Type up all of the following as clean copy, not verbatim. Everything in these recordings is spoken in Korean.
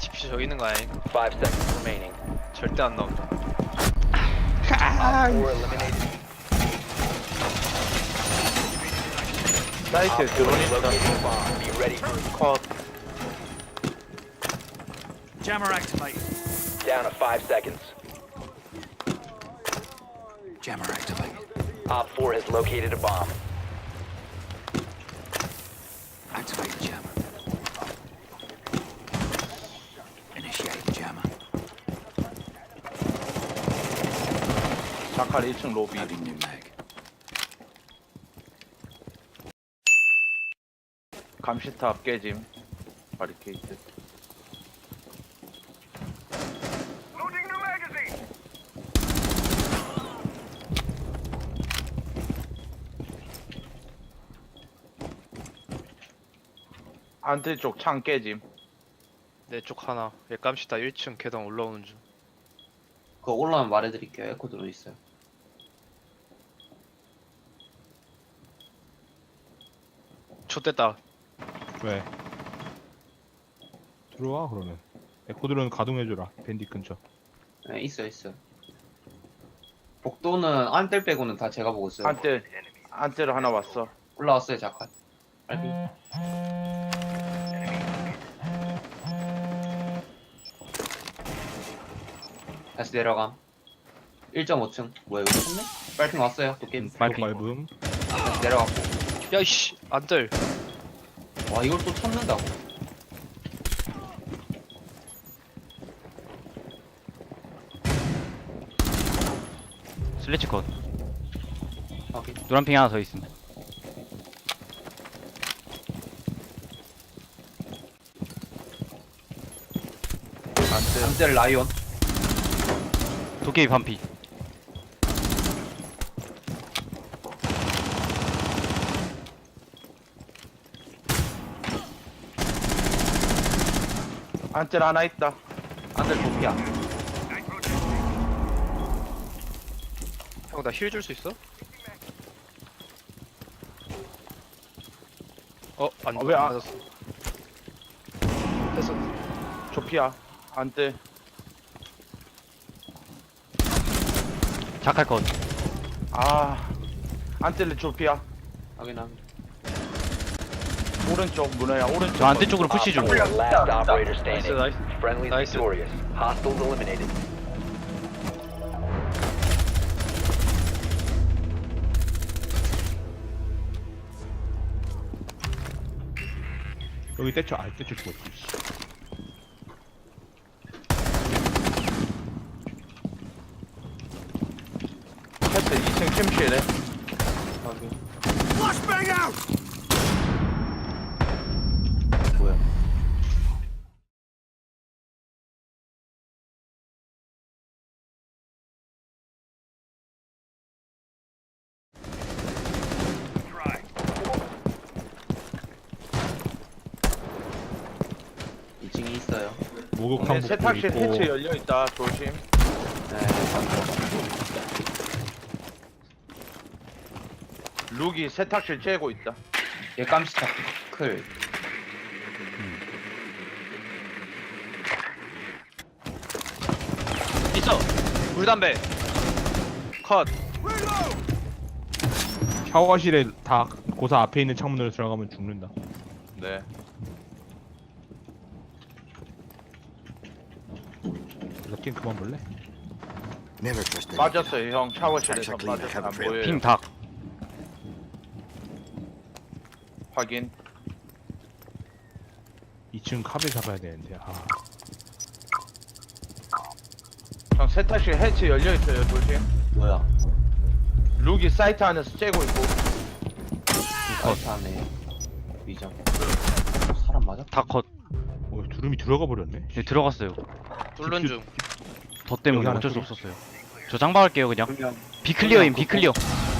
TP 저기 있는 거 아니? 5 seconds remaining. 절대 안 나온다. Op 4 eliminated. 사이트에 드론이 있다. Located a bomb. Be ready for 컷. Jammer activated. down to 5 seconds. Jammer activated. Op 4 has located a bomb. Activate jammer. Initiate jammer. 자칼 1층 로비. Loading new mag. 감시탑 깨짐. 바리케이트. 안뜰 쪽 창 깨짐. 내 쪽 하나. 예감시다 1층 계단 올라오는 중. 그거 올라오면 말해드릴게요. 에코 들어 있어요. 좆됐다. 왜? 들어와 그러면 에코드론 가동해줘라 밴디 근처. 네, 있어요, 있어요. 복도는 안뜰 빼고는 다 제가 보고 있어요. 안뜰 하나 왔어. 올라왔어요, 잠깐. 빨리. 다시 내려감. 1.5층. 뭐야, 이거 쳤네? 빨핑 왔어요, 도깨비. 밟음. 다시 내려갔고. 야이씨 안들. 와, 이걸 또 쳤는다고. 슬래치 컷. 오케이. 노란핑 하나 더 있음. 안뜰. 안뜰 라이온. 도깨비 반피. 안뜰 하나 있다. 안뜰 도피야. 형 나 힐 줄 수 있어? 안 왜 안- 맞았어. 됐어. 조피아. 안뜰. 자칼 컷. 아. 안뜰 조피아. 확인함. 오른쪽 문어야. 오른쪽. 저 안뜰 쪽으로 푸시 좀. Op 4 last operator 나이스 standing. 나이스. Friendly Nice. victorious. Hostiles eliminated. 여기 떼쳐. 떼쳐 죽었지. 패스 2층 침실에. 확인. Flashbang out! 뭐야. 이 2층에 있어요. 목욕탕 복도 세탁실 있고. 해치 열려 있다. 조심. 네, 룩이 세탁실 쬐고 있다. 얘 깜시타 클. 있어. 물담배. 컷. 샤워실에 다 고사 앞에 있는 창문으로 들어가면 죽는다. 네. 그래서 게임 그만 볼래? Never trust 빠졌어요 형. 샤워실에서 빠졌어. 안 보여요. 핑 닭. 확인. 2층 카베 잡아야 되는데. 아. 형 세탁실 해치 열려 있어요. 조심. 뭐야. 룩이 사이트 안에서 쬐고 있고. 사이트 안에 위장. 사람 맞아? 다 컷. 두름이 들어가 버렸네. 네, 들어갔어요. 뚫는 중. 더 때문에 여기 하나 어쩔 수 소리. 없었어요. 저 장박할게요 그냥. 그러면 비클리어임 비클리어.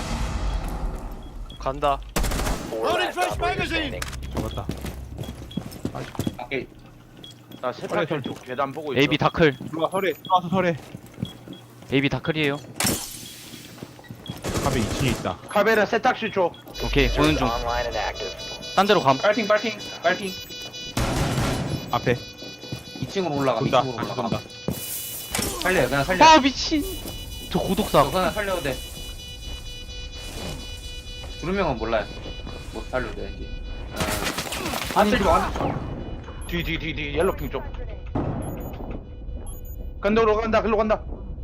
간다. 4 last operator standing. 잡았다. 밖에 나 세탁실 쪽 계단 보고 있어. AB 다클. 들어와 설에. 들어와서 설에. AB 다클이에요. 카베 2층에 있다. 카베라 세탁실 쪽. 오케이 보는 중. Online and active. 딴 데로 감. 빨핑. 앞에. 2층으로 올라가. 돈다 2층으로 다시 올라가. 돈다. 살려요. 그냥 살려. 아 미친. 저 고독사. 저 그냥 살려도 돼. 두 명은 몰라요. 못 살려도 돼. 이제. 안 들고 안 들고. 뒤 옐로핑 쪽. 간다로 간다. 글로 간다.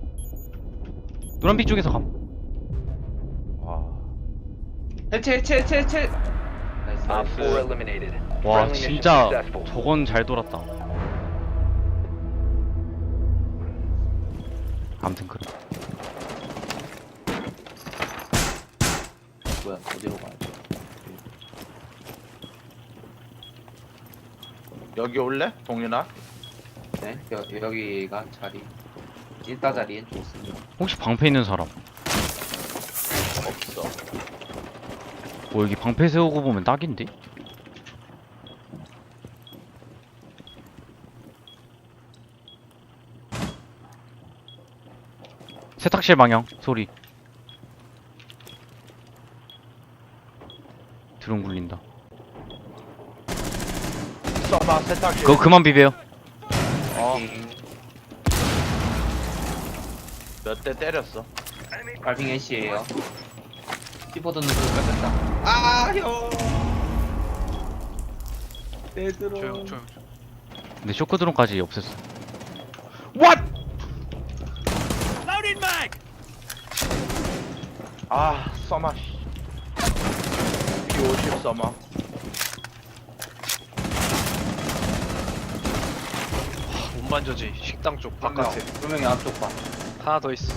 노란빛 쪽에서 감. 와. 해체. 나이스. Op 4 eliminated. 와 Friendly mission 진짜 successful. 저건 잘 돌았다. 아무튼 그래. 뭐야? 어디로 가야 돼? 여기 올래? 동윤아? 네. 여기가 자리. 1다 자리엔 좋습니다. 혹시 방패 있는 사람? 없어. 뭐 여기 방패 세우고 보면 딱인데? 세탁실 방향 소리. 드론 굴린다. 써마 세탁실. 그거 그만 비벼요. 어. 몇 대 때렸어. 발핑 애쉬에요. 키보드는 좀 뺏겼다. 아 형. 내 드론. 조용. 근데 쇼크 드론까지 없앴어. What? Loading mag! 아, 써마. P50 써마. 못 만져지. 식당 쪽 바깥에 두 명이 앞쪽 봐. 하나 더 있어.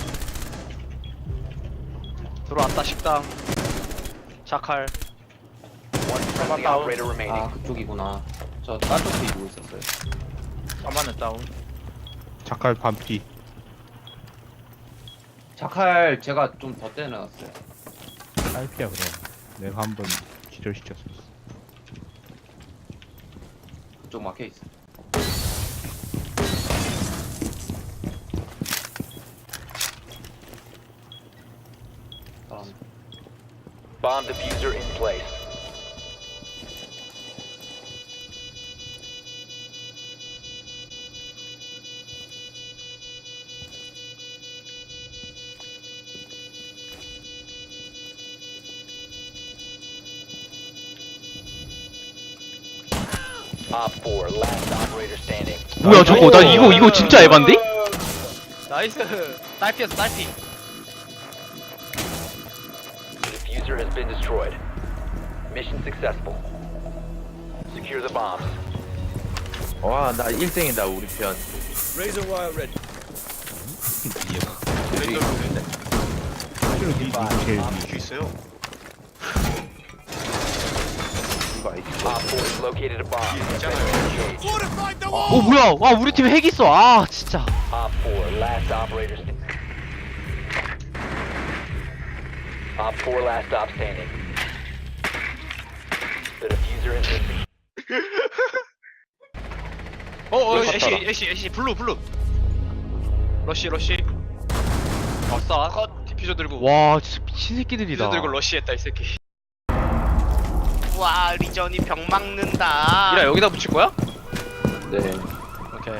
들어왔다 식당. 자칼. One friendly down. operator remaining. 아 그쪽이구나. 저 딴 쪽도 이고 있었어요. 써마는 다운. 자칼 반피. 자칼 제가 좀 더 떼내놨어요. 딸피야 그럼. 내가 한번 기절시켰어. 그쪽 막혀 있어. 사람. Bomb diffuser in place. Op 4, last operator standing. 뭐야 저거 나 이거 진짜 에반데? 나이스. 딸피였어 딸피. The diffuser has been destroyed. Mission successful. Secure the bombs. 와, 나 1등이다, 우리 편. Razor wire ready. 제일 Op 4 has located a bomb. Fortified the wall! 어 뭐야? 와 우리 팀 핵 있어. 아 진짜. Op 4, last operator standing. Op 4, last stop standing. The diffuser is missing. 애쉬 블루. 러쉬. 아싸. 컷. 디퓨저 들고. 와 진짜 미친 새끼들이다. 디퓨저 들고 러쉬했다 이 새끼. 와 리전이 병 막는다. 이라 여기다 붙일 거야? 네. 오케이.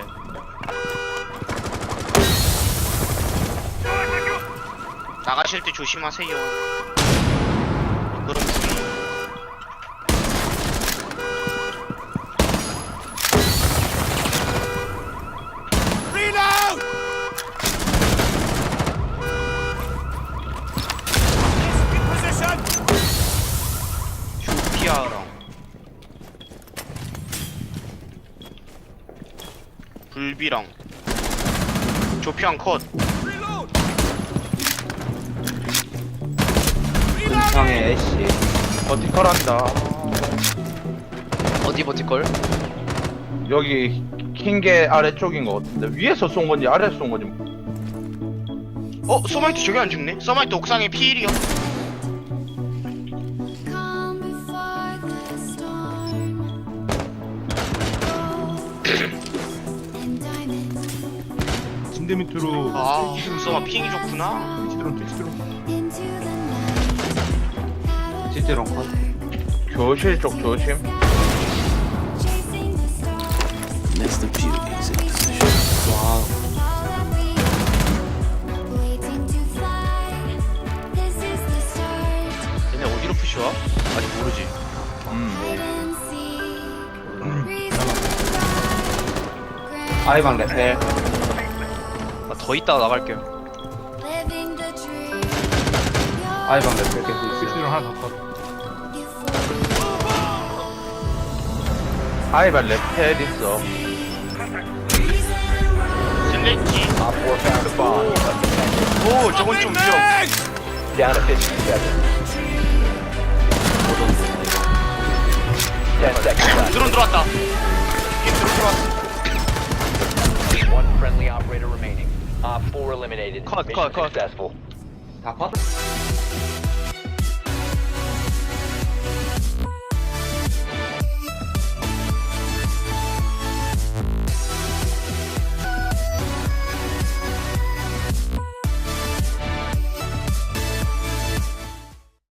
나가실 때 조심하세요. 그럼 Reload! In position! 조피아랑 불비랑 조피랑 컷. Reload! 근창의 애쉬. 버티컬 한다. 어디 버티걸? 여기 킹게 아래쪽인 것 같은데 위에서 쏜 건지 아래에서 쏜 건지. 서마이트 저기 안 죽네? 서마이트 옥상에 피일이요. Calm before the storm. And diamonds 침대 밑으로 아 서마 핑이 좋구나. 치드론 into the night. 실제로 컷. 교실 쪽 조심. Chasing the stars. It's the beauties in position. Waiting to fly. This is the start. 얘네 어디로 푸시와? 아직 모르지. Hide and seek. Reason to cry. 아이방 레펠. 나 더 있다가 나갈게요. Living the dream. 아이방 레펠 계속 있어요. 실수를 하나 더 컷. 아이발 레펠 있어. 슬래치. Op 4 found a bomb. You must defend 오, 저건 좀 위험. it. Down to 50 seconds. 10 seconds left. 드론 들어왔다. 팀 드론 들어왔어. One friendly operator remaining. Op 4 eliminated. Cut, Mission cut, cut. successful. 다 컷?